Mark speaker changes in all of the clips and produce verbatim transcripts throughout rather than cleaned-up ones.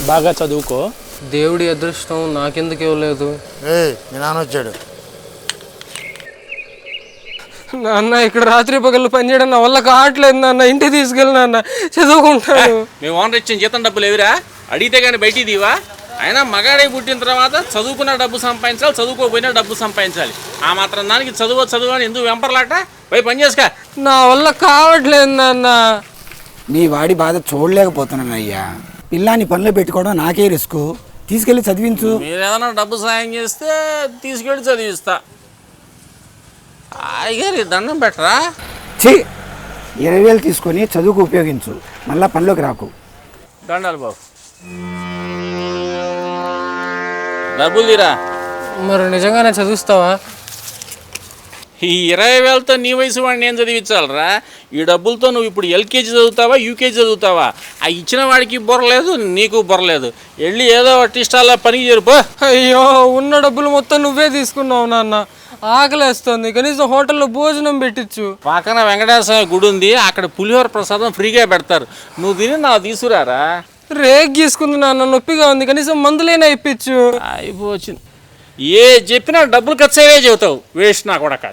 Speaker 1: బాగా చదువుకో.
Speaker 2: దేవుడి అదృష్టం నాకెందుకు ఇవ్వలేదు.
Speaker 3: మీ నాన్న వచ్చాడు.
Speaker 2: నాన్న ఇక్కడ రాత్రి పగళ్ళు పనిచేయడం నా వల్ల కావట్లేదు నాన్న. ఇంటికి తీసుకెళ్ళి నాన్న, చదువుకుంటాను.
Speaker 4: మేము ఓనర్ ఇచ్చిన జీతం డబ్బులు ఎవిరా? అడిగితే కానీ బయటికి దీవా? అయినా మగాడే పుట్టిన తర్వాత చదువుకున్న డబ్బు సంపాదించాలి, చదువుకోపోయినా డబ్బు సంపాదించాలి. ఆ మాత్రం దానికి చదువు చదువు అని ఎందుకు వెంపర్లాట? పోయి పని చేసుక.
Speaker 2: నా వల్ల కావట్లేదు నాన్న.
Speaker 5: నీ వాడి బాధ చూడలేకపోతున్నాను అయ్యా. పిల్లాన్ని పనిలో పెట్టుకోవడం నాకే రిస్క్. తీసుకెళ్ళి చదివించు.
Speaker 4: మీరు ఏదైనా డబ్బు సాయం చేస్తే తీసుకెళ్ళి చదివిస్తా. అయ్యారు దండం పెట్టరా?
Speaker 5: ఛీ, ఇరవై వేలు తీసుకొని చదువుకు ఉపయోగించు. మళ్ళా పనిలోకి రాకు.
Speaker 4: దండాలి బాబు. డబ్బులు తీరా.
Speaker 2: మరి నిజంగానే చదివిస్తావా?
Speaker 4: ఈ ఇరవై వేలతో నీ వయసు వాడిని ఏం చదివించాలరా? ఈ డబ్బులతో నువ్వు ఇప్పుడు ఎల్కేజీ చదువుతావా, యూకేజీ చదువుతావా? ఆ ఇచ్చిన వాడికి బుర్రలేదు, నీకు బుర్రలేదు. వెళ్ళి ఏదో టిస్టాల్లో పనికి చేరుపో.
Speaker 2: అయ్యో, ఉన్న డబ్బులు మొత్తం నువ్వే తీసుకున్నావు నాన్న. ఆకలేస్తుంది, కనీసం హోటల్లో భోజనం పెట్టించు.
Speaker 4: పక్కన వెంకటేశ్వర గుడి ఉంది, అక్కడ పులిహోర ప్రసాదం ఫ్రీగా పెడతారు. నువ్వు తిని నాకు తీసుకురారా.
Speaker 2: రేక్ గీసుకుంది నాన్న, నొప్పిగా ఉంది, కనీసం మందులైనా ఇప్పించు.
Speaker 4: అయిపోయింది. ఏ చెప్పినా డబ్బులు ఖర్చు అయ్యే చెబుతావు. వేస్ట్ నా కొడక.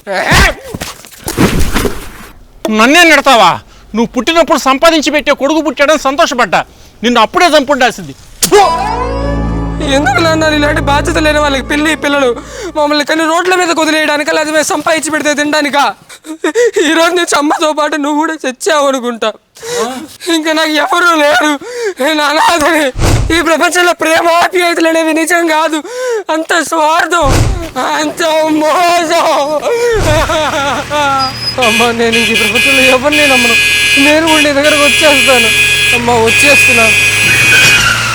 Speaker 4: నన్నే నెడతావా? నువ్వు పుట్టినప్పుడు సంపాదించి పెట్టే కొడుకు పుట్టాడని సంతోషపడ్డా. నిన్ను అప్పుడే చంపుండాల్సింది.
Speaker 2: ఎందుకు నాన్న ఇలాంటి బాధ్యత లేని వాళ్ళకి పెళ్ళి పిల్లలు మమ్మల్ని కానీ రోడ్ల మీద కుదిలేయడానికా, లేదా మేము సంపాదించి పెడితే తినడానికా? ఈరోజు నీ అమ్మతో పాటు నువ్వు కూడా చచ్చావు అనుకుంటా. ఇంకా నాకు ఎవరు లేరు, నేను అనాథని. ఈ ప్రపంచంలో ప్రేమ ఆప్యాయతలు అనేవి నిజం కాదు, అంత స్వార్థం, అంత మోసం. అమ్మ, నేను ఇంక ఈ ప్రపంచంలో ఎవరిని నమ్మను. నేను కూడా నీ దగ్గరకు వచ్చేస్తాను అమ్మ, వచ్చేస్తున్నాను.